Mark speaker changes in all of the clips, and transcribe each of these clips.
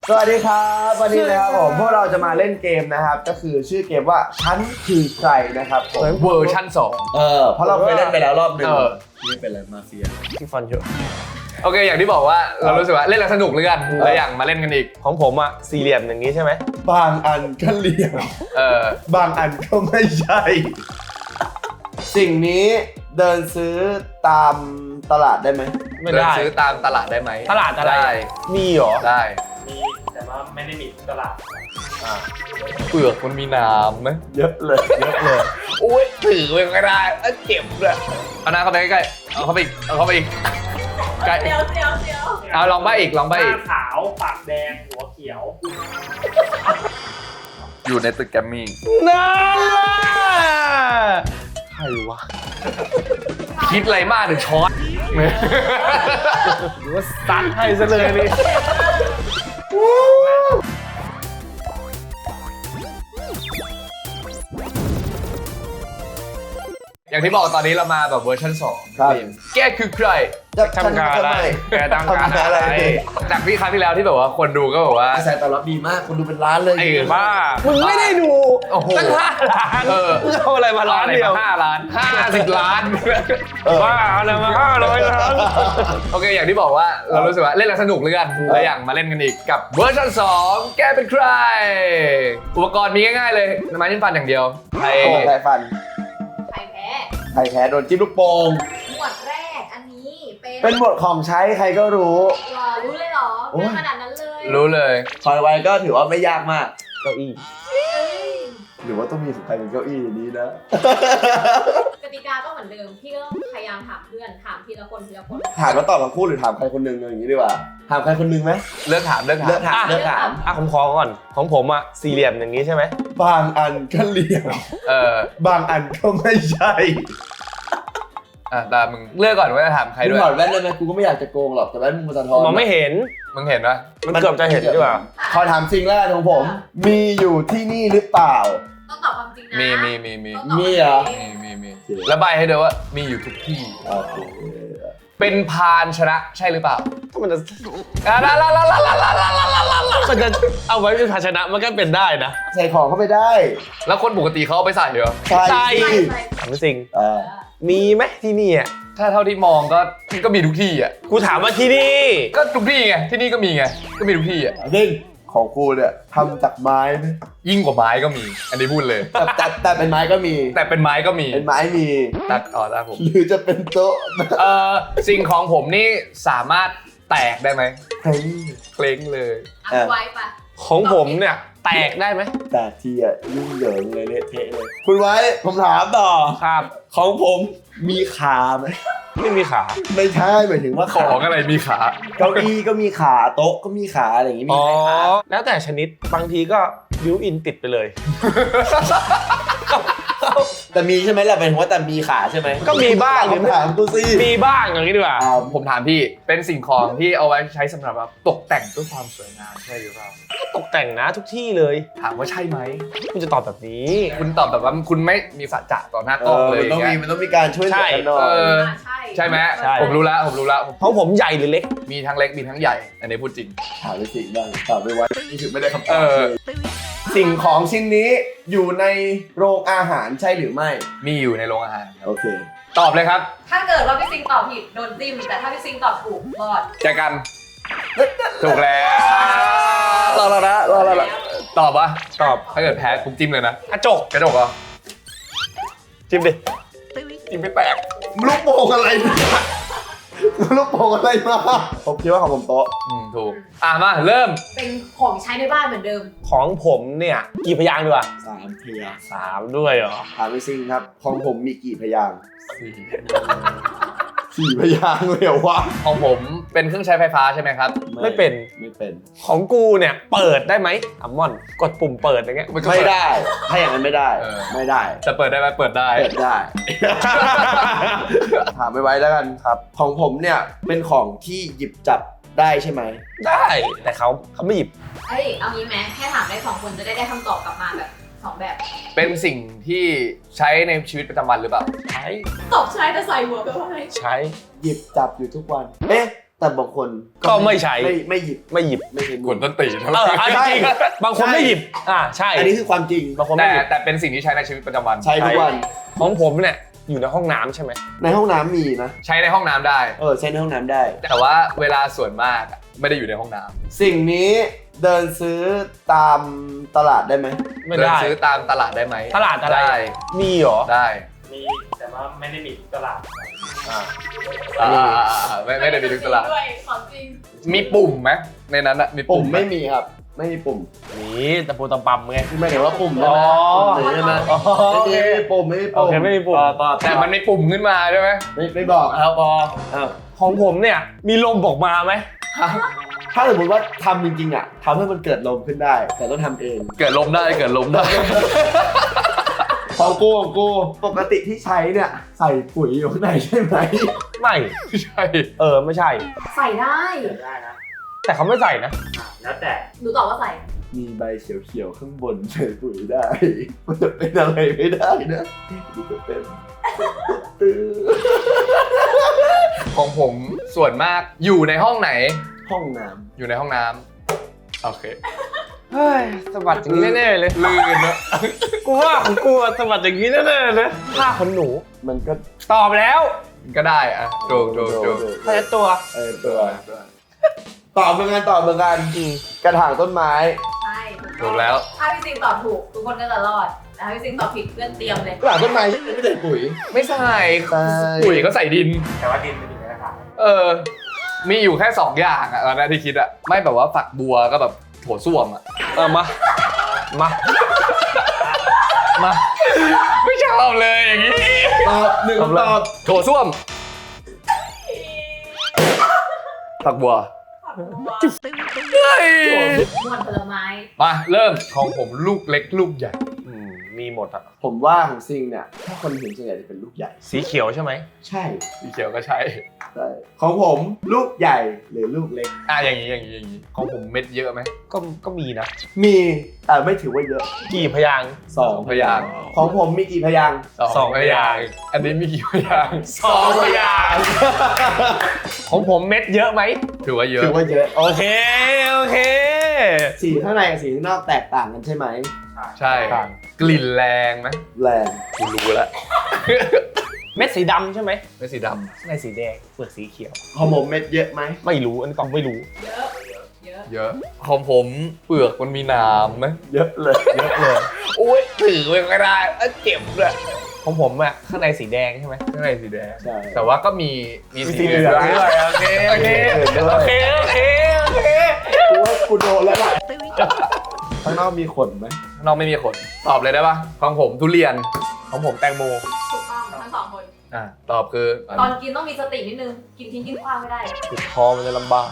Speaker 1: สวัสดีครับวันนี้นะครับผมพวกเราจะมาเล่นเกมนะครับก็คือชื่อเกมว่าฉันคือใครนะครับ
Speaker 2: เวอร์ชั่น2
Speaker 1: เพราะเราเคยเล่นไปแล้วรอบหนึ่ง
Speaker 3: นี่เป็นอะไรมาเฟีย
Speaker 4: ที่ฟันเยอะ
Speaker 2: โอเคอย่างที่บอกว่าเรารู้สึกว่าเล่นแล้วสนุกเลยกันเลยอยากมาเล่นกันอีก
Speaker 4: ของผมอะสี่เหลี่ยมอย่างนี้ใช่ไหม
Speaker 1: บางอันก็เหลี่ยม บางอันก็ไม่ใช่ สิ่งนี้เดินซื้อตามตลาดได้ไหม
Speaker 4: ไม่
Speaker 2: เดิน
Speaker 4: ได้
Speaker 2: ซื้อตามตลาดได้ไหม
Speaker 4: ตลาดอะไร
Speaker 2: ได้
Speaker 4: มีเหรอ
Speaker 2: ได้
Speaker 5: มีแต่ว่าไม่ได้มีทุกตลาด
Speaker 2: เปลือกมันมีน้ำไหม
Speaker 1: เยอะเลยเยอะเลย
Speaker 2: โอ้ยถือมันก็ได้เจ็บเลยเอาหน้าเข้าไปใกล้ๆเอาเข้าไปอีกเอาเข้าไปอีกใกล้
Speaker 6: เดี๋ยว
Speaker 2: เอาลองบ้าอีกลอง
Speaker 5: ห
Speaker 2: บ้า
Speaker 5: น้า
Speaker 2: อีก
Speaker 5: ขาวปากแดงหัวเขียว
Speaker 2: อยู่ในตึกแกรมมี่
Speaker 4: น่าใครวะ
Speaker 2: คิดอะไรมากถึงช้อน
Speaker 4: หรือว่าซัดให้ซะเลยนี่
Speaker 2: อย่างที่บอกตอนนี้เรามาแบบเวอร์ชัน2
Speaker 1: ครับ
Speaker 2: แกคือใคร
Speaker 1: จะ
Speaker 4: ทำการอะไรแกทำการอะไร
Speaker 2: จากที่ครั้งที่แล้วที่แบบว่าคนดูก็แบบว่า
Speaker 1: กระแสตอบรับดีมากคนดูเป็นล้านเลย
Speaker 2: ไอ้
Speaker 4: บ้ามึงไม่ได้ดู
Speaker 2: โอ้โห
Speaker 4: ตั้ง5 ล้าน มึงเอาอะไรมาล้านเดียว
Speaker 2: 5 ล้าน50 ล้าน
Speaker 4: บ้าเอาอะไรมา500 ล้าน
Speaker 2: โอเคอย่างที่บอกว่าเรารู้สึกว่าเล่นแล้วสนุกเลยกันเลยอยากมาเล่นกันอีกกับเวอร์ชัน2แกเป็นใครอุปกรณ์มีง่ายๆเลยไม้จิ้มฟันอย่างเดียวใคร
Speaker 1: โป่งใครฟัน
Speaker 6: ใครแพ้
Speaker 1: ใครแพ้โดนจิ้มลูกโป่ง
Speaker 6: หมวดแรกอันนี้เป็น
Speaker 1: เป็นหมวดของใช้ใครก็รู้
Speaker 6: หรอรู้เลยเหรอ
Speaker 1: โอ้ย
Speaker 6: เป็นขนาดนั้นเลย
Speaker 2: รู้เลย
Speaker 1: คอยไว้ก็ถือว่าไม่ยากมาก
Speaker 4: เก้าอี้
Speaker 6: เอ้ย
Speaker 1: หรือว่าต้องมีของใครเป็นเก้าอี้อย่างนี้นะ
Speaker 6: กติกาก็เหมือนเดิมพี่ก็ต้องพยายามถามเพื่อนถามทีละคน
Speaker 1: ถามแล้วตอบทั้งคู่หรือถามใครคนหนึ่งอย่างนี้ดีกว่า ถามใครคนหนึ่งไหม
Speaker 2: เลือกถาม
Speaker 1: เลือกถามเลือกถาม
Speaker 4: อ่ะผมขอก่อนของผมอะสี่เหลี่ยมอย่างนี้ใช่ไหม
Speaker 1: บางอันก็เหลี่ยม บางอันก็ไม่ใช่
Speaker 2: แต่มึงเลือกก่อนว่าจะถามใคร
Speaker 1: มึ
Speaker 2: ด้
Speaker 1: ง
Speaker 2: วย
Speaker 1: ถอดแว่นได้ไหมกูก็ไม่อยากจะโกงหรอกแต่แว่นมึงมันสะท้อน
Speaker 4: มองไม่เห็น
Speaker 2: มึงเห็นปะ
Speaker 4: มันเกือบจะเห็นดีกว่า
Speaker 1: ขอถามสิ่งแรกของผม มีอยู่ที่นี่หรือเปล่า
Speaker 6: ต้องตอบความจริงนะ
Speaker 2: มี
Speaker 6: ต้องตอบ
Speaker 1: มีเหรอ
Speaker 6: ความจง
Speaker 2: มีแล้วใบให้ด้วยว่ามีอยู่ทุกที่
Speaker 1: โอเค
Speaker 2: เป็นพานชนะใช่หรือเปล่า
Speaker 4: ถ้ามันจะ
Speaker 2: ลาลาลาลาลาลาลาลาลาลา
Speaker 4: มันจะเอาไว้เป็นภาชนะมันก็เป็นได้นะ
Speaker 1: ใส่ของเข้าไปได้
Speaker 2: แล้วคนปกติเขาเอาไปใส่เหรอ
Speaker 1: ใช่
Speaker 4: ใช่
Speaker 6: ใช่ใช่
Speaker 4: ถามจริง
Speaker 1: เออ
Speaker 4: มีไหมที่นี่อ่ะ
Speaker 2: ถ้าเท่าที่มองก็มีทุกที่อ่ะ
Speaker 4: กูถามว่าที่นี่
Speaker 2: ก็ทุกที่ไงที่นี่ก็มีไงก็มีทุกที่อ่ะ
Speaker 1: จริงของกูเนี่ยทำจากไม้ไหม
Speaker 2: ยิ่งกว่าไม้ก็มี อันนี้พูดเลย
Speaker 1: แต่เป็นไม้ก็มี
Speaker 2: แต่เป็นไม้ก็มี
Speaker 1: เป็นไม้มี
Speaker 2: ตัดอ๋อได้ผม
Speaker 1: หรือจะเป็นโต๊ะ
Speaker 2: สิ่งของผมนี่สามารถแตกได้ไหม
Speaker 1: เฮ้ย
Speaker 2: เคล้งเลย
Speaker 6: อ่ะไว้ปะ
Speaker 4: ของผมเนี่ยแตกได้ไหม
Speaker 1: แต่ทีอ่ะยุ่งเหยิงเลยเละเทะเลย คุณไว้ผมถามต่อ
Speaker 4: ครับ
Speaker 1: ของผมมีขาไหม
Speaker 4: ไม่มีขา
Speaker 1: ไม่ใช่หมายถึงว่า
Speaker 2: ข
Speaker 1: ขา
Speaker 2: องอะไรมีขา
Speaker 1: เก้าอี้ก็มีขาโต๊ะก็มีขาอะไรอย่างงี้มี
Speaker 4: อ๋อ
Speaker 1: ไหมขา
Speaker 4: แล้วแต่ชนิดบางทีก็บิวอินติดไปเลย
Speaker 1: แต่มีใช่ไหมล่ะหมายถึงว่าแต่มีขาใช่ไหม
Speaker 4: ก็มีบ้าง
Speaker 1: คำถามกูสิ
Speaker 4: มีบ้างอย่างนี้ดีกว่า
Speaker 2: ผมถามพี่เป็นสิ่งของที่เอาไว้ใช้สำหรับแบบตกแต่งเพื่อความสวยงามใช่หรือเปล่า
Speaker 4: ตกแต่งนะทุกที่เลย
Speaker 2: ถามว่าใช่ไหม
Speaker 4: คุณจะตอบแบบนี้
Speaker 2: คุณตอบแบบว่าคุณไม่มีสัจจะต่อหน้าก
Speaker 1: เอ
Speaker 2: ล้อง
Speaker 1: อ
Speaker 2: เลย
Speaker 1: มันต้องมี
Speaker 2: ย่างเงี้ย
Speaker 1: มันต้องมีการช่วยเหลือกันหน่อย
Speaker 2: เออ
Speaker 6: ใช่
Speaker 2: ใช่ไหม
Speaker 4: ใช่
Speaker 2: ผมรู้แล้วผม
Speaker 4: ของผมใหญ่หรือเล็ก
Speaker 2: มีทั้งเล็กมีทั้งใหญ่ อันนี้พูดจริง
Speaker 1: ถามไปสิบ้างตอบไปไว้นี่ถึงไม่ได้คำต
Speaker 2: เอ
Speaker 1: อบ
Speaker 2: อ
Speaker 1: เลยสิ่งของชิ้นนี้อยู่ในโรงอาหารใช่หรือไม่
Speaker 2: มีอยู่ในโรงอาหารครับ
Speaker 1: โอเค
Speaker 2: ตอบเลยครับ
Speaker 6: ถ้าเกิดว่าพี่ซิงตอบผิดโดนจิ้มแต่ถ้าพี่ซิงตอบถูกรอด
Speaker 2: แจกันถูกแล้ว
Speaker 1: รอแล้วนะรอแล้วนะ
Speaker 2: ตอบปะ
Speaker 4: ตอบ
Speaker 2: ถ้าเกิดแพ้ผมจิ้มเลยนะ
Speaker 4: กระจก
Speaker 2: กระจกเหรอ
Speaker 4: จิ้มดิ
Speaker 2: จิ้มไม่แตก
Speaker 1: ลูกโป่งอะไรเนี่ยลูกโป่งอะไรมาผมคิดว่าของผมโต๊ะ
Speaker 2: ถูกมาเริ่ม
Speaker 6: เป็นของใช้ในบ้านเหมือนเดิม
Speaker 4: ของผมเนี่ยกี่พยางค์ดีกว่า
Speaker 1: 3 พยางค์
Speaker 4: 3ด้วยเหรอ
Speaker 1: ถามไปซิงครับ ของผมมีกี่พยางค์4 พยางค์เลยเหรอวะ
Speaker 2: ของผมเป็นเครื่องใช้ไฟฟ้าใช่ไหมครับ
Speaker 4: ไม่เป็น
Speaker 1: ไม่เป็น
Speaker 4: ของกูเนี่ยเปิดได้ไหมอัมมอนกดปุ่มเปิดอย่างเงี้ย
Speaker 2: มันก็
Speaker 1: ไม่ได้ ถ้าอย่างนั้นไม่ได้
Speaker 2: เออ
Speaker 1: ไม่ได้
Speaker 2: จะเปิดได้ไหมเปิดได้
Speaker 1: เปิดได้ ถามไปไว้แล้วกันครับ ของผมเนี่ยเป็นของที่หยิบจับได้ใช่ไหม
Speaker 4: ได้แต่เขาไม่หยิบ
Speaker 6: เอ้ยเอางี้ไหมแค่ถามได้2คนจะได้คำตอบกลับมาแบบ2แบบ
Speaker 2: เป็นสิ่งที่ใช้ในชีวิตประจำวันหรือเปล่า
Speaker 4: ใช้
Speaker 6: ตอบใช้แต่ใส่หัวไปว่าไง
Speaker 4: ใช้
Speaker 1: หยิบจับอยู่ทุกวัน เอ๊ะแต่บางคน
Speaker 4: ก็ไม่ใช้
Speaker 1: ไม่หยิบ
Speaker 4: ไม่หยิบ
Speaker 1: ไม่ใช้
Speaker 2: กวนต้นตีน
Speaker 4: จริงบางคนไม่หยิบใช่
Speaker 1: อันนี้คือความจริง
Speaker 4: บางคนไม่หยิบ
Speaker 2: แต่เป็นสิ่งที่ใช้ในชีวิตประจำวัน
Speaker 1: ใช้ทุกวัน
Speaker 4: ของผมเนี่ยอยู่ในห้องน้ำใช่ไหม
Speaker 1: ในห้องน้ำมีนะ
Speaker 2: ใช้ในห้องน้ำได้
Speaker 1: ใช้ในห้องน้ำได้
Speaker 2: แต่ว่าเวลาส่วนมากอะไม่ได้อยู่ในห้องน้ำ
Speaker 1: สิ่งนี้เดินซื้อตามตลาดได้ไหม
Speaker 4: ไม่
Speaker 2: เดิน
Speaker 4: ได้
Speaker 2: ซื้อตามตลาดได้ไหม
Speaker 4: ตลาดอะไร
Speaker 2: ได้
Speaker 4: มีเหรอ
Speaker 2: ได้
Speaker 5: มีแต่ว่าไม่ได้มีทุกตลาด
Speaker 2: ไม่ได้มีทุกตลาด
Speaker 6: ด้วยของจริง
Speaker 2: มีปุ่มไหมในนั้นอะมี
Speaker 1: ปุ่ม
Speaker 2: ไห
Speaker 1: ไม่มีครับ ไม่มีปุ่ม
Speaker 4: นี่ตะปูตะปำไง
Speaker 1: ไม่เห็นว่าปุ่ม
Speaker 4: อ๋
Speaker 1: ใช่
Speaker 4: อ
Speaker 1: ไหมปุ่มใช่ไหมไม่มีปุ่มไม่มี
Speaker 4: โอ
Speaker 1: ปุ่ม
Speaker 4: เคไม่มีปุ่ม
Speaker 2: แต่มันมีปุ่มขึ้นมาใช่ไหม
Speaker 1: ไม่บอกครับพอ
Speaker 4: ของผมเนี่ยมีลมออกมาไหม
Speaker 1: ถ้าสมมติว่าทำจริงๆอ่ะทำให้มันเกิดลมขึ้นได้ แต่ต้องทำเอง
Speaker 2: เกิดลมได้เกิดลมได้
Speaker 1: ของกูปกติที่ใช้เนี่ยใส่ปุ๋ยอยู่ข้างในใช่ไหม
Speaker 4: ไม่
Speaker 2: ใช่
Speaker 4: ไม่ใช่
Speaker 6: ใส่ได้
Speaker 5: เกิดได้นะ
Speaker 4: แต่เขาไม่ใส่นะ
Speaker 5: แล้วแต่
Speaker 6: หนูตอบว่าใส่
Speaker 1: มีใบเขียวๆข้างบนใส่ปุ๋ยได้มันจะเป็นอะไรไม่ได้นะมันจะเป็น
Speaker 2: ของผมส่วนมากอยู่ในห้องไหน
Speaker 1: ห้องน้
Speaker 2: อยู่ในห้องน้ำโอเค
Speaker 4: เฮ้ยสะบัดอย่างนี้แน่ๆเลย
Speaker 2: ลื่นเนอะ
Speaker 4: กูว่าของกูอะสะบัดอย่างนี้แน่ๆเลยผ้าขนหนู
Speaker 1: ำมันก็
Speaker 4: ตอบแล้ว
Speaker 2: ก็ได้อะโจก
Speaker 4: ผ้าเช็ดตัว
Speaker 1: ตัวตอบเหมือนกันกระถางต้นไม้
Speaker 6: ใช่
Speaker 2: ถูกแล้ว
Speaker 6: ถ้าพี่ซิงตอบถูกทุกคนก็จะรอดแต่ถ้าพี่ซิงตอบผิดเพื่อนเตรียมเลย
Speaker 1: กระถางต้นไม้ไม่ใส่ปุ๋ย
Speaker 2: ไม่ใส่
Speaker 1: ใช่
Speaker 2: ปุ๋ยก็ใส่ดิน
Speaker 5: แต่ว่าดินเป็นอยู่ในกระถาง
Speaker 2: มีอยู่แค่2อย่างอะตอนนั้นที่คิดอะไม่แบบว่าฝักบัวก็แบบโถส้วมอะ
Speaker 4: มา
Speaker 2: ไม่ชอบเลยอย่างนี้
Speaker 1: ตอบหนึ่งคำตอบ
Speaker 2: โถส้วมฝักบัวเฮ้ย
Speaker 6: มวนผลไม้
Speaker 2: มาเริ่มของผมลูกเล็กลูกใหญ่
Speaker 4: มีหมดอะ
Speaker 1: ผมว่าของซิงเนี่ยถ้าคนเห็นส่วนใหญ่จะเป็นลูกใหญ่
Speaker 4: สีเขียวใช่ไหม
Speaker 1: ใช่
Speaker 2: สีเขียวก็ใช่
Speaker 1: ใช่ของผมลูกใหญ่หรือลูกเล็ก
Speaker 2: อย่างนี้ของผมเม็ดเยอะไหม
Speaker 4: ก็มีนะ
Speaker 1: มีแต่ไม่ถือว่าเยอะ
Speaker 4: กี่พยางค์
Speaker 1: สอง
Speaker 2: พยางค์
Speaker 1: ของผมมีกี่พยางค์
Speaker 2: สองพยางค์อันนี้มีกี่พยางค์
Speaker 4: 2 พยางค์ของผมเม็ดเยอะไหม
Speaker 2: ถือว่าเยอะ
Speaker 1: ถือว่าเยอะ
Speaker 4: โอเค
Speaker 1: สีข้างในกับสีข้างนอกแตกต่างกันใช่ไหม
Speaker 2: ใช่กลิ่นแรงไหม
Speaker 1: แรง
Speaker 2: กูรู้แล้ว
Speaker 4: เม็ดสีดำใช่ไหม
Speaker 2: ไม่สีด
Speaker 4: ข้างในสีแดงเปลือกสีเขียว
Speaker 1: ของผมเม็ดเยอะไหม
Speaker 4: ไม่รู้อันนี้ต้องไม่รู้
Speaker 6: เยอะเยอะ
Speaker 2: ำเยอะของผมเปลือกมันมีน้ำไหม
Speaker 1: เยอะเลย
Speaker 4: เยอะเลย
Speaker 2: อุ้ยถือไม่ได้เจ็บเลย
Speaker 4: ของผมอะข้างในสีแดงใช่ไหม
Speaker 2: ข้างในสีแดง
Speaker 1: ใช่
Speaker 2: แต่ว่าก็มีสีเหลืองด้วย
Speaker 4: โอเคโอเค
Speaker 1: กูว่ากูโดนแล้วแหละข้างนอกมีขนไหม
Speaker 2: น้องไม่มีขนตอบเลยได้ปะของผมทุเรียน
Speaker 4: ของผมแตงโม
Speaker 6: ถูกต้องทั้งสองคน
Speaker 2: ตอบคือ
Speaker 6: ตอนกินต้องมีสตินิดนึง กินทิ้งกินขว้างไม่ได้
Speaker 4: ติดคอมันจะลำบาก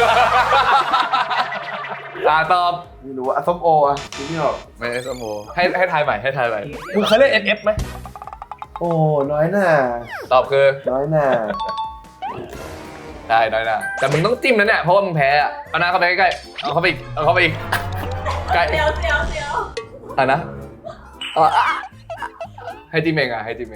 Speaker 2: ตอบ
Speaker 1: ไม่รู้ว่าส้มโออ่ะคิดไม่ออก
Speaker 2: ไม่ใช่สมโอให้ทายใหม่ให้ทายใหม่
Speaker 4: มึงเคยเล่น SF ไหม
Speaker 1: โอ้น้อยหน่า
Speaker 2: ตอบคือ
Speaker 1: น้อยหน่า
Speaker 2: ได้น้อยนะแต่มึงต้องจิ้มนะเนี่ยเพราะว่ามึงแพ้อะเอาหน้าเข้าไปใกล้ๆเอาเข้าไปอีกเอาเข้าไปอีกใกล้
Speaker 6: เดี๋ยว
Speaker 2: อ่ะนะให้จิ้มเองให้จิ้มเอง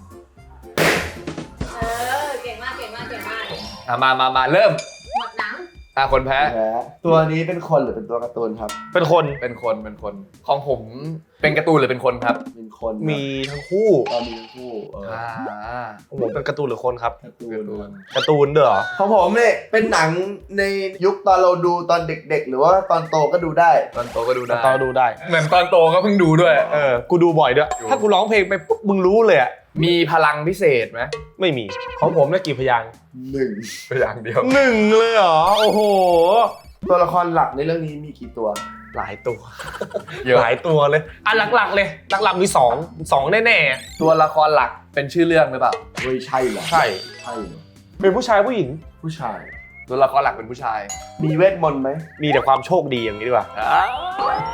Speaker 6: เก่งมาก
Speaker 2: มาเริ่ม
Speaker 6: หมดหนัง
Speaker 2: คนแพ้
Speaker 1: แพ้ตัวนี้เป็นคนหรือเป็นตัวการ์ตูนครับ
Speaker 4: เป็นคน
Speaker 2: เป็นคนของผมเป็นการ์ตูนหรือเป็นคนครับ
Speaker 1: เป็นคนครับ
Speaker 4: มีทั้งคู่
Speaker 1: ตอนมีทั้งคู่
Speaker 4: ของผมเป็นการ์ตูนหรือคนครับ
Speaker 1: การ์ตู
Speaker 2: การ์ตู
Speaker 1: น
Speaker 2: น
Speaker 4: การ์ตูนเด้อเหรอ
Speaker 1: ของผมเนี่ยเป็นหนังในยุคตอนเราดูตอนเด็กๆ หรือว่าตอนโตก็ดูได้
Speaker 2: ตอนโตก็ดูได้
Speaker 4: ตอนดูได้
Speaker 2: เหมือนตอนโตก็เพิ่งดูด้วย
Speaker 4: กูดูบ่อยด้วย ถ้ากูร้องเพลงไปปุ๊บมึงรู้เลยอะ
Speaker 2: มีพลังพิเศษไหม
Speaker 4: ไม่มี ของผมเนี่ยกี่พยางค์
Speaker 1: 1
Speaker 2: พยางเดียว
Speaker 4: 1เลยเหรอ โอ้โห
Speaker 1: ตัวละครหลักในเรื่องนี้มีกี่ตัว
Speaker 4: หลายตัว
Speaker 2: เยอะ
Speaker 4: หลายตัวเลย อ่ะหลักๆเลย หลักๆมี2แน่
Speaker 2: ตัวละครหลักเป็นชื่อเรื่องหรือเปล่า
Speaker 1: เฮ้ยใช่เหรอ
Speaker 4: ๆ ใช่
Speaker 1: ใช่เหรอ
Speaker 4: เป็นผู้ชายผู้หญิง
Speaker 1: ผู้ชาย
Speaker 2: ตัวละครหลักเป็นผู้ชาย
Speaker 1: มีเวทมนต์ไหม
Speaker 4: มีแต่ความโชคดีอย่างนี้ดีกว่า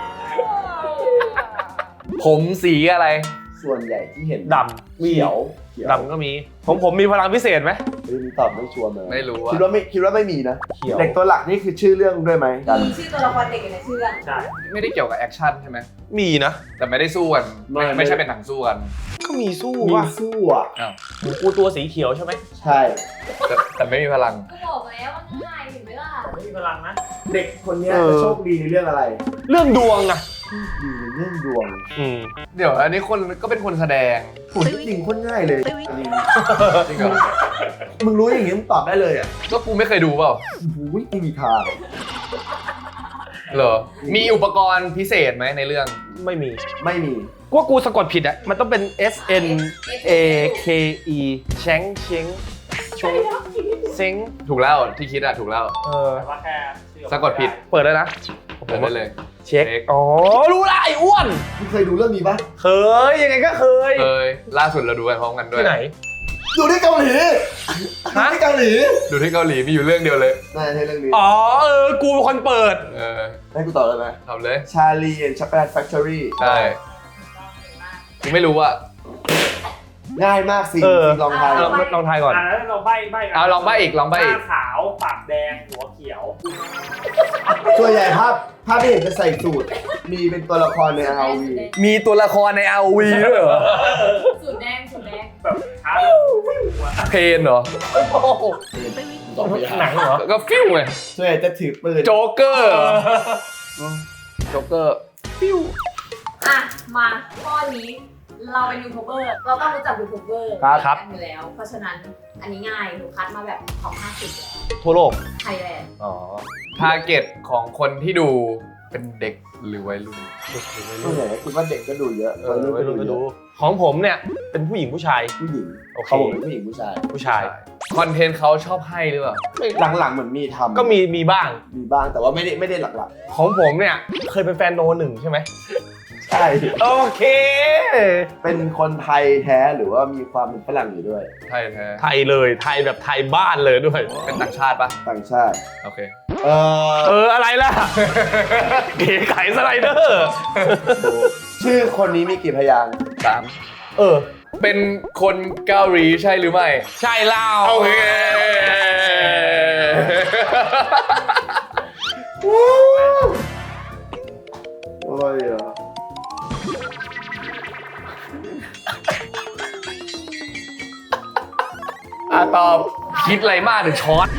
Speaker 2: ผมสีอะไร
Speaker 1: ส่วนใหญ่ที่เห็น
Speaker 4: ดำ
Speaker 1: เขียวขียว
Speaker 4: ดำก็มีผมมีพลังพิเศษไหม
Speaker 1: เฮ้ยนี่ตอบไม่ชัวร์เลย
Speaker 2: ไม่รู้อะ
Speaker 1: คิดว่าไม่มีนะ
Speaker 4: เขียว
Speaker 1: เด็กตัวหลักนี่คือชื่อเรื่องด้วยไหมกัน
Speaker 6: มีชื่อตัวละครเด็กอยู่ในชื่อเรื่อง
Speaker 5: ใช่
Speaker 2: ไม่ได้เกี่ยวกับแอคชั่นใช่ไหม
Speaker 4: มีนะ
Speaker 2: แต่ไม่ได้สู้กัน ไม่ใช่เป็นหนังสู้กัน
Speaker 4: ก็มีสู้
Speaker 1: มี
Speaker 4: ว่ะ
Speaker 1: สู้อ่ะ
Speaker 2: อ้าว
Speaker 4: กูตัวสีเขียวใช่ไหม
Speaker 1: ใช่
Speaker 2: แต่ไม่มีพลัง
Speaker 6: ก็บอกแล้วว่าง่ายเห็นไหมล่ะ
Speaker 5: ไม่มีพลังนะ
Speaker 1: เด็กคนเนี้ยจะโชคดีในเรื่องอะไร
Speaker 4: เรื่องดวงอะ
Speaker 1: ดีในเรื่องดวง
Speaker 2: เดี๋ยวอันนี้คนก็เป็นคนแสดง
Speaker 1: โหจริงโคนง่ายเลย
Speaker 2: จริงเหรอ
Speaker 1: มึงรู้อย่างงี้มึงตอบได้เลยอ่ะ
Speaker 2: ก็กูไม่เคยดูเปล่า
Speaker 1: โอ้โหไม่มีทาง
Speaker 2: เหรอ มีอุปกรณ์พิเศษไหมในเรื่อง
Speaker 4: ไม่มี
Speaker 1: ไม่มี
Speaker 4: กูว่ากูสะกดผิดอะมันต้องเป็น S N A K E เช้งเช้งชงเซ้ง
Speaker 2: ถูกแล้วที่คิดอะถูกแล้ว
Speaker 5: แต่ว่าแค่ชื่อ
Speaker 2: สะกดผิด
Speaker 4: เปิดแล้วนะ
Speaker 2: เปิดได้เลย
Speaker 4: เช็ค อ๋อ รู้ละไอ้อ้วน
Speaker 1: มึงเคยดูเรื่องนี้ปะ
Speaker 4: เคย ยังไงก็เคย
Speaker 2: เคยล่าสุดเราดูกันพร้อมกันด้วย
Speaker 4: ที่ไหน
Speaker 1: ดูที่เกาหลี
Speaker 4: ฮะ
Speaker 1: ดูที่เกาหลี
Speaker 2: ดูที่เกาหลีมีอยู่เรื่องเดียวเลย
Speaker 1: น่าจะใช่เรื่องนี้
Speaker 4: อ๋อ กูเป็นคนเปิด
Speaker 1: ให้กูตอบเลยไหม
Speaker 2: ทำเลย
Speaker 1: ชาลีแอนด์ช็อกโกแลตแฟคทอรี่
Speaker 2: ใช่กูไม่รู้อะ
Speaker 1: ง่ายมากสิ
Speaker 4: เออ
Speaker 1: ลองทาย
Speaker 4: ลองทายก่อน
Speaker 5: แล้วเราใบ้กัน
Speaker 2: เอาลองใบ้อีกลอง
Speaker 5: ห
Speaker 2: ใบ้อี
Speaker 5: น้าก ขาวปากแดงหัวเขียว
Speaker 1: ส่วนใหญ่ภาพที่เห็นจะใส่สูตร มีเป็นตัวละครใน RV
Speaker 2: มีตัวละครใน RV ด้วยเหรอ
Speaker 6: สูตรแดงสูตรแดง
Speaker 5: แบบช้าแล้วหัว
Speaker 2: เพนเหรอ
Speaker 4: หนังเหรอ
Speaker 2: ก็ฟิวไง
Speaker 1: ส่วนใหญ่จะถือปืน
Speaker 2: โจ๊กเกอร์เหรอโจ๊กเกอร์
Speaker 6: อ่ะ มาข้อนี้เราเป็นยูทูบเบอร์เราต้องรู้จักยูทูบเบอร์
Speaker 4: ครับ
Speaker 6: กันอยู่แล้ว เพราะฉะนั้นอันนี้ง่ายหนูคัดมาแบบของ50แล้ว
Speaker 4: ทั่วโลก
Speaker 6: ไทยแลนด์
Speaker 4: อ๋อ
Speaker 2: ทาร์เก็ตของคนที่ดูเป็นเด็กหรือวัยรุ่น
Speaker 1: ส่วนใหญ่ก็คิดว่าเด็กก็ดูเยอะ
Speaker 4: วัยรุ่นก็ดู ของผมเนี่ย เป็นผู้หญิงผู้ชาย
Speaker 1: ผู้หญิง
Speaker 4: โอเค
Speaker 1: เขาบอกเป็นผู้หญิงผู้ชาย
Speaker 4: ผู้ชาย
Speaker 2: คอนเทนต์เขาชอบให้หรือเปล่า
Speaker 1: หลังๆเหมือนมีทำ
Speaker 4: ก็มีบ้าง
Speaker 1: มีบ้างแต่ว่าไม่ได้หลัก
Speaker 4: ของผมเนี่ย เคยเป็นแฟนโนหนึ่งใช่ไหม
Speaker 1: ๆ ใช่
Speaker 4: โอเค
Speaker 1: เป็นคนไทยแท้หรือว่ามีความเป็นฝรั่งอยู่ด้วย
Speaker 2: ไทยแท้
Speaker 4: ไทยเลย ไทยแบบไทยบ้านเลยด้วย
Speaker 2: เป็นต่างชาติปะ
Speaker 1: ต่างชาติ
Speaker 2: โอเค
Speaker 4: อะไรล่ะ เก๋ไก่สไลเดอร์
Speaker 1: ชื่อคนนี้มีกี่พยางค์
Speaker 2: 3 เป็นคนเกาหลีใช่หรือไม่
Speaker 4: ใช่เล่า
Speaker 2: โอเค
Speaker 1: โอ้ยเหรอ
Speaker 2: ตอบคิดอะไรมากถึงช็อต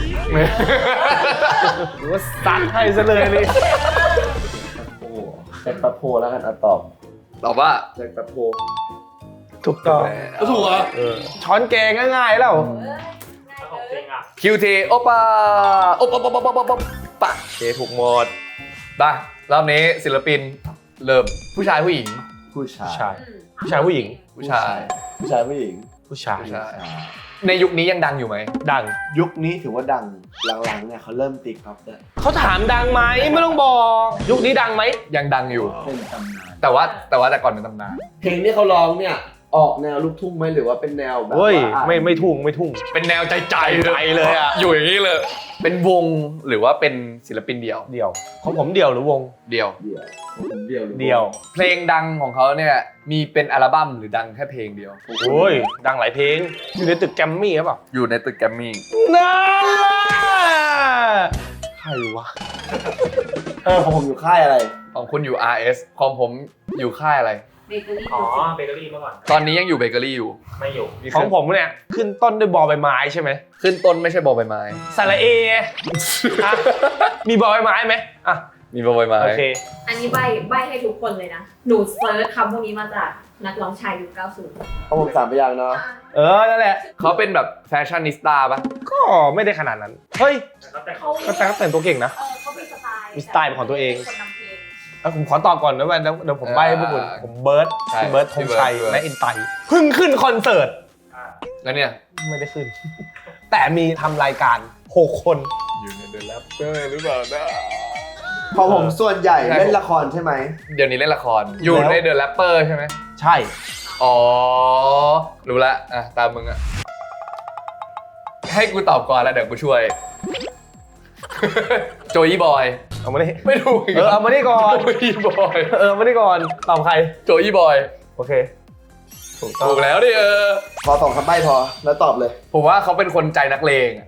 Speaker 4: หรือว่าซัดให้ซะเลยนี่
Speaker 1: โอ้แจ็คแปะโพแล้วกันตอบ
Speaker 2: ตอบว่า
Speaker 1: แจ็คแปะโพ
Speaker 4: ถูกต้อง
Speaker 2: ถูกเหรอ
Speaker 4: ช้อนแกงง่ายๆแล้ว
Speaker 6: เอ้ยง่าย
Speaker 5: แล้วของ
Speaker 6: เล
Speaker 5: จริ
Speaker 6: ย
Speaker 5: งอ่ะ
Speaker 2: คิวเทโอปาโอปปปปปะ
Speaker 4: โอเคถูกหมด
Speaker 2: ไปรอบนี้ศิลปินเริ่มผู้ชายผู้หญิง
Speaker 1: ผู้ชาย
Speaker 4: ใช่ ผู้ชายผู้หญิง
Speaker 2: ผู้ชาย
Speaker 1: ผู้ชายผู้หญิง
Speaker 4: ผู้ชาย
Speaker 2: ผู้ชาย ในยุคนี้ยังดังอยู่ไหม
Speaker 4: ดัง
Speaker 1: ยุคนี้ถือว่าดังหลังๆเนี่ยเขาเริ่มตีกอล์ฟได้
Speaker 4: เขาถามดังไหมไม่ต้องบอก ยุคนี้ดังไหม
Speaker 2: ยังดังอยู่
Speaker 1: เป็นตำนาน
Speaker 2: แต่ว่าแต่ก่อนเป็นตำนาน
Speaker 1: เพลงที่เขาร้องเนี่ยออกแนวลูกทุ่งไหมหรือว่าเป็นแนวแบบ
Speaker 4: เฮ้ย
Speaker 1: ว่า
Speaker 4: ไม่ทุ่งไม่ทุ่ง
Speaker 2: เป็นแนวใจ
Speaker 4: ใจเลยอะ
Speaker 2: อยู่อย่างนี้เลย เป็นวงหรือว่าเป็นศิลปินเดี่ยว
Speaker 4: เดี่ยว ของผมเดี่ยวหรือวง
Speaker 2: เดี่ยว
Speaker 1: เดี่ยวผมเดี่ยวหรือ
Speaker 4: เดี่ยว
Speaker 2: เพลงดังของเขาเนี่ยมีเป็นอัลบั้มหรือดังแค่เพลงเดียว
Speaker 4: โอ้ย ดังหลายเพลง อยู่ในตึกแกรมมี่หรือเปล่า
Speaker 2: อยู่ในตึกแกรมมี่
Speaker 4: นั่นล่ะใครวะ
Speaker 1: ของผมอยู่ค่ายอะไร
Speaker 2: ของคุณอยู่ RS ของผมอยู่ค่ายอะไร
Speaker 6: เบเกอรี่
Speaker 5: อ๋อเบเกอรี่เมื่อก่อน
Speaker 2: ตอนนี้ยังอยู่เบเกอรี่อยู่
Speaker 5: ไม่อยู่
Speaker 4: ของผมเนี่ย ขึ้นต้นด้วยบอใบไม้ใช่ไหม
Speaker 2: ขึ้นต้นไม่ใช่บอใบไม้
Speaker 4: สระเออ่ะมีบอใบไม้ไหมอ่ะ
Speaker 2: มีบอใบไม้
Speaker 4: โอเค
Speaker 6: อันนี้ใบให้ทุกคนเลยนะ หนูเซิร์ชคำพวกนี้มาจากนักร้องชายยุค 90
Speaker 1: ของผม3พยางค์เนาะ
Speaker 4: นั่นแหละ
Speaker 2: เขาเป็นแบบแฟชั่นนิสต้าปะ
Speaker 4: ก็ไม่ได้ขนาดนั้น เฮ้ย
Speaker 5: แล้วแต่
Speaker 6: เขา
Speaker 4: ก็แต่งตัวเก่งนะ
Speaker 6: เขามีสไตล์
Speaker 4: มีสไตล์เป็นของตัวเอง
Speaker 6: คนนำเพลง
Speaker 4: ผมขอตอบก่อนนะว่าเดี๋ยวผมใบ้ให้พวกคุณผมเบิร์ดพี่เบิร์ดธงชัยและอินไตเพิ่งขึ้นคอนเสิร์ต
Speaker 5: อ่า
Speaker 2: แล้วเนี่ย
Speaker 4: ไม่ได้ขึ้น แต่มีทำรายการ 6 คน
Speaker 2: อยู่ในเดอะแรปเปอร์หรือเปล่านะ
Speaker 1: ของผมส่วนใหญ่เล่นละครใช่ไหม
Speaker 2: เดี๋ยวนี้เล่นละคร อยู่
Speaker 4: แล้ว
Speaker 2: ในเดอะแรปเปอร์ใช่ไหม
Speaker 4: ใช่
Speaker 2: อ๋อ รู้ละอ่ะตามมึงอ่ะ ให้กูตอบก่อนแล้วเดี๋ยวกูช่วย โจยี่บอย
Speaker 4: เอามาดิ
Speaker 2: ไม่ถูกอีก
Speaker 4: เอามาดิก่อน
Speaker 2: โจยี่บอย
Speaker 4: เอามาดิก่อนตอบใคร
Speaker 2: โจยี่บอย
Speaker 4: โอเค
Speaker 2: ถูกแล้วดิ
Speaker 1: ขอ2 คำใบ้พอแล้วตอบเลย
Speaker 2: ผมว่าเขาเป็นคนใจนักเลงอะ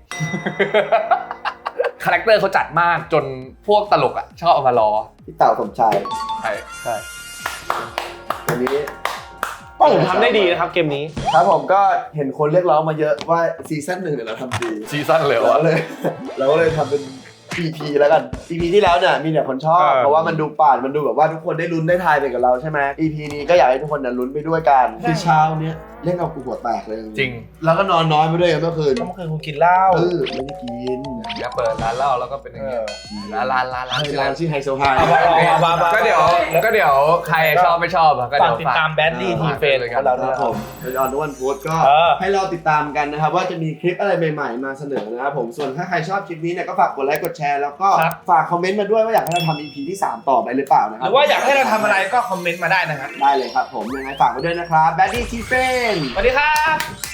Speaker 2: คาแรคเตอร์เขาจัดมากจนพวกตลกอ่ะชอบเอามาล้อ
Speaker 1: พี่เต่าสมชาย
Speaker 2: ใช่
Speaker 4: ใช่
Speaker 1: วันนี้
Speaker 4: ก็ผมทำได้ดีนะครับเกมนี้
Speaker 1: ครับผมก็เห็นคนเรียกร้องมาเยอะว่าซีซั่น1เนี่ยเราทำดี
Speaker 2: ซีซั่นเลย
Speaker 1: เรา
Speaker 2: วะ
Speaker 1: เลย เราก็เลยทำเป็น EP แล้วกัน EP ที่แล้วเนี่ยมีแต่คนชอบเพราะว่ามันดูป่านมันดูแบบว่าทุกคนได้ลุ้นได้ทายไปกับเราใช่ไหม EP นี้ก็อยากให้ทุกคนเนี่ยลุ้นไปด้วยกันคือเช้าเนี้ยเล่นเอากูหัวแตกเลย
Speaker 2: จริง
Speaker 1: แล้วก็นอนน้อยไปด้วยเมื่อคืน
Speaker 4: ก็เมื่อคืนคุณกินเหล้า
Speaker 1: ไม่ได้กิน
Speaker 2: เนี่ยเปิดร้านเหล้าแล้วก็เป็นอย่างเงี้ยร้าน
Speaker 1: ร้านชื่อไฮโซไฮ
Speaker 2: ก็เดี๋ยวใครชอบไม่ชอบอะก็
Speaker 4: ฝา
Speaker 2: เดี๋
Speaker 4: ก
Speaker 2: ยว
Speaker 4: ติดตามแบดดี้ทีเฟน
Speaker 2: เลย
Speaker 4: ของเรา
Speaker 1: ค
Speaker 4: ด้ว
Speaker 1: รั
Speaker 4: ย
Speaker 1: บผมเป็นออนทุกวันพุธก็
Speaker 4: เออ
Speaker 1: ให้เราติดตามกันนะครับว่าจะมีคลิปอะไรใหม่ๆมาเสนอนะครับผมส่วนถ้าใครชอบคลิปนี้เนี่ยก็ฝากกดไลค์กดแชร์แล้วก็ฝากคอมเมนต์มาด้วยว่าอยากให้เราทำ EP ที่ 3 ต่อไปหรือเปล่านะค
Speaker 4: ห
Speaker 1: รับ
Speaker 4: รือว่าอยากให้เราทำอะไรก็คอมเมนต์มาได้นะครับ
Speaker 1: ได้เลยครับผมยังไงฝากไว้ด้วยนะครับแบดดี้ทีเฟน
Speaker 4: สวัสดีครับ